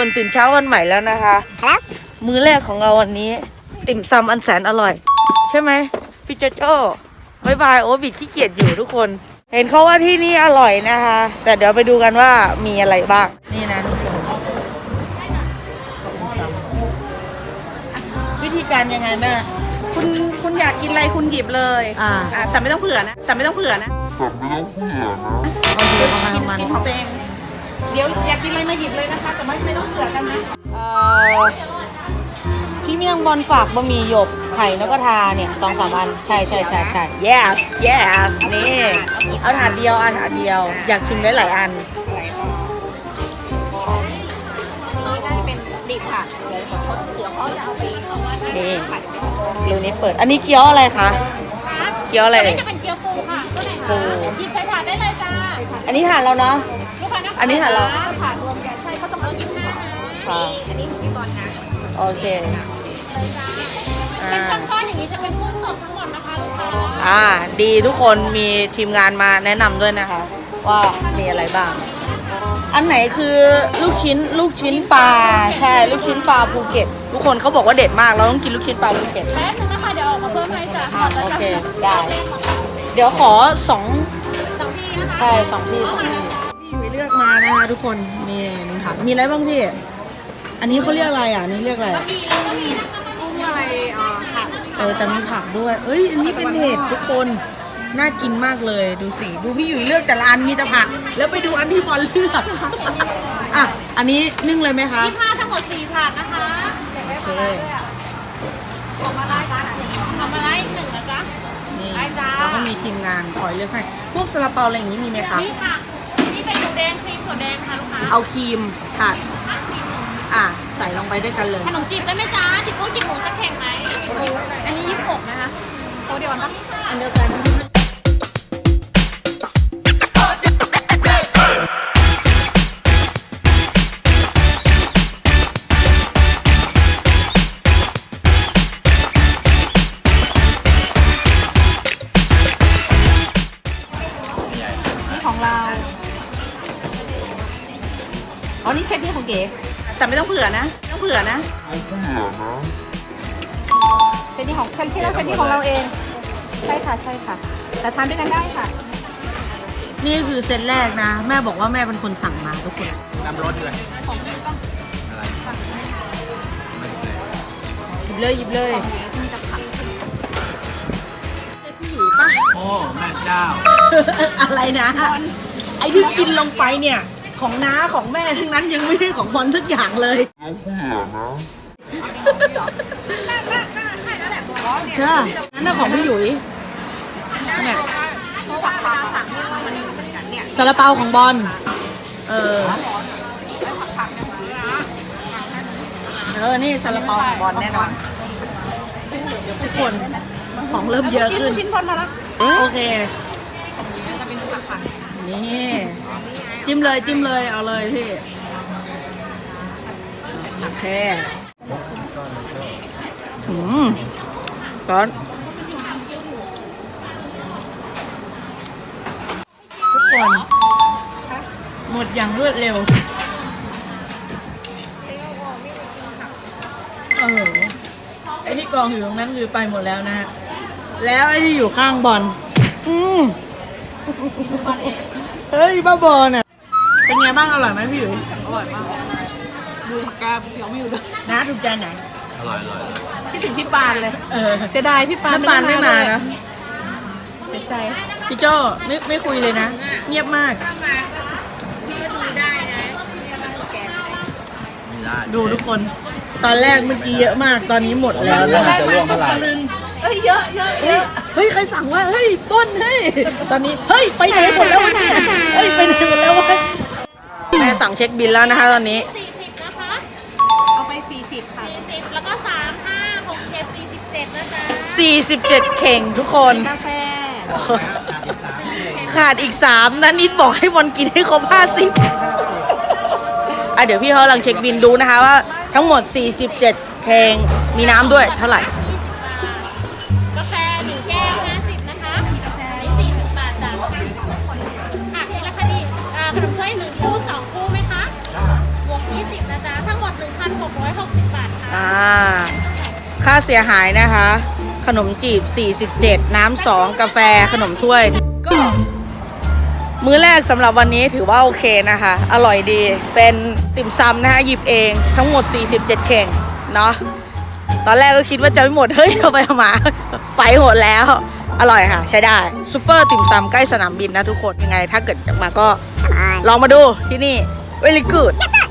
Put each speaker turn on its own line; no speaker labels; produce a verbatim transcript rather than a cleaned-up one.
คนตื่นเช้าวันใหม่แล้วนะคะมื้อแรกของเราวันนี้ติ่มซำอันแสนอร่อยใช่ไหมพี่โจโจ้บายบายโอ้บิดขี้เกียจอยู่ทุกคนเห็นเขาว่าที่นี่อร่อยนะคะแต่เดี๋ยวไปดูกันว่ามีอะไรบ้างนี่นะทุกคนวิธีการยังไงแม่
คุณคุณอยากกินอะไรคุณหยิบเลยอ่าแต่ไม่ต้องเผื่อนะแต่ไม่ต้องเผื่อนะ
แต่ไม่ต้องเผื่อนะ
กินกินของตัวเองเดี๋ยวอยากกินอะไรมาหยิบเลยนะคะแต่ไม่ไม่ต้องเผื่อกันนะ
เอ่อพี่เมี่ยงบอลฝากบะหมี่หยกไข่นกกระทาเนี่ยสองสามอันใช่ใช่ใช่ใช่ yes yes นี่เอาถาดเดียวอันถาดเดียวอยากชิมได้หลายอัน
นี่ก็จะเป็นดิบค่ะเดี๋ยวเขาเดี๋ยวเขาจะเอาไป
นี่รูนี้เปิดอันนี้เกี๊ยวอะไรคะเกี๊ยวอะไร
จะเป็นเกี๊ยวปูค่ะตัวไหนคะหยิบใส่ถาดได้เลยจ้า
อันนี้ถาดเราเนาะอันนี้ถาดเรา
ถาดรวมกันใช่เขาต้องเอากินห้า
ค่ะอันนี้ของพี่บอลนะ
โอเค
เป็นก้อนๆอย่างนี้จะเป็นกุ้งสดทั้งหมดนะคะลูกค้า
อ่าดีทุกคนมีทีมงานมาแนะนำด้วยนะคะว่ามีอะไรบ้างอันไหนคือลูกชิ้นลูกชิ้นปลาใช่ลูกชิ้นปลาภูเก็ตทุกคนเขาบอกว่าเด็ดมากเราต้องกินลูกชิ้นปลาภูเก็ต
แป๊บนึงนะคะเดี๋ยวออกมาเพิ่มให้จ้ะ
โอเคได้เดี๋ยวขอสอง
สองที่นะคะ
ใช่สองที่สองที่พี่ไปเลือกมานะคะทุกคนนี่นี่ค่ะมีอะไรบ้างพี่อันนี้เขาเรียกอะไรอ่ะนี่เรียกอะไร
มีแล้วก็มีนะคะ
กุ้งอะไรอ่าผัก
เออแต่มีผักด้วยเอ้ยอันนี้เป็นเห็ดทุกคนน่ากินมากเลยดูสิดูพี่อยู่เลือกแต่ละอันมีแต่ผักแล้วไปดูอันที่บอลเลือกอ่ะอันนี้นึ่งเลยไหมคะ
ยี่ห้าทั้งหมดสี่ถาดนะคะ
โอเค
เอามาไล่จ้าเอามาไล่หนึ่งนะจ๊ะ
นี่แล้วก็มีทีมงานคอยเลือกให้พวกซาลาเปาอะไรอย่างนี้มีไหมคะ
นี่ค่ะนี่เป็นหมูแดงครีมถั่วแดงค่ะลูกค้า
เอาครีมค่ะอ่ะใส่ลงไปด้วยกันเลย
ขนมจีบได้ไหมจ๊ะจีบกุ้งจีบหมูสักแข่งไหมอันนี้ยี่สิบหกนะคะโตเดียวกันปะ
อันเดียวกัน
ของเราอ๋อนี่เซตนี้ของเก๋แต่ไม่ต้องเผื่อนะไม่ต้องเผื่อนะ
ต้องเผื่อนะ
เซตนี้ของเซตที่เราเซตนี้ของเราเองใช่ค่ะใช่ค่ะแต่ทานด้วยกันได้ค่ะ
นี่คือเซตแรกนะแม่บอกว่าแม่เป็นคนสั่งมาทุกคน
นำรถด้วย
ของพี่ก็
อะไรหยิบเลยหยิบเลย
มีแต่ผัก
พี่หยุยปะ
โอ้แม่เจ้า
อะไรนะไอที่กินลงไปเนี่ยของน้าของแม่ทั้งนั้นยังไม่ได้ของบอลสักอย่างเลย
ต้องเผื่อนะ
ใช่นั่นน่ะของพี่หยุยเนี่ยซาลาเปาของบอลเออเออนี่ซาลาเปาของบอลแน่นอนทุกคนของเริ่มเยอะขึ้น
ชิ้นบอลมาแล้ว
โอเคนี่จิ้มเลยจิ้มเลยเอาเลยพี่โอเคอืมร้อนทุกคนหมดอย่างรวดเร็วเออไอ้ที่กองอยู่ตรงนั้นคือไปหมดแล้วนะฮะแล้วไอ้ที่อยู่ข้างบอลอืมเฮ้ยบ้าบอลน่ะเป็นไงบ้างอร่อยไหมพี่หยุย
อร่อยมากดูผักกาดเดี๋ยวไม่อยู่ด้วย
นะถูกใจไหน
อร่อยอร่อย
คิดถึงพี่ปานเลย
เออ
เสียดายพี่ปาน
น้ำปานไม่มานะ
เสียใจ
พี่โจ้ไม่ไม่คุยเลยนะเงียบมาก
ก็ดูได้นะเนี่ยมันแก
ดูทุกคนตอนแรกเมื่อกี้เยอะมากตอนนี้หมดแล้วนะ
จะร่วงเท่าไหร่
เฮ้ยเยอะเยอะเยอะ
เฮ้ยใครสั่งว่าเฮ้ยต้นเฮ้ยตอนนี้เฮ้ยไปไหนหมดแล้ววะเนี่ยเฮ้ยไปไหนหมดแล้ววะแม่สั่งเช็คบิลแล้วนะคะตอนนี้
สี่สิบนะคะ
เอาไปสี่สิบค่ะ
สี่สิบแล้วก็สามห้าหกเจ็ดสี่สิบเจ็ดนะจ๊ะ
สี่สิบเจ็ดเข่งทุกคน
กาแฟ
ขาดอีกสามนะนิดบอกให้บอลกินให้ครบห้าสิบอ่ะเดี๋ยวพี่เขากำลังเช็คบิลดูนะคะว่าทั้งหมดสี่สิบเจ็ดเข่งมีน้ำด้วยเท่าไหร่
กาแฟหนึ่งแก้วห้าสิบนะคะกาแฟนี่สี่สิบบาทจ้ะอ่ะนี่ราคาดีขนมถ้วยหนึ่งคู่สองคู่ไหมคะบวกยี่สิบนะจ๊ะทั้งหกร้อยหกสิบบาทค่ะ
อ่า ค่าเสียหายนะคะ ขนมจีบ สี่สิบเจ็ด น้ำสองกาแฟขนมถ้วย ก็ มื้อแรกสำหรับวันนี้ถือว่าโอเคนะคะ อร่อยดี เป็นติ่มซำนะคะ หยิบเองทั้งหมด สี่สิบเจ็ด เข่ง เนาะ ตอนแรกก็คิดว่าจะไม่หมด เฮ้ย เอาไปเอามา ไปหมดแล้ว อร่อยค่ะ ใช้ได้ซูเปอร์ติ่มซำใกล้สนามบินนะทุกคน ยังไงถ้าเกิดอยากมาก็ลองมาดูที่นี่ very good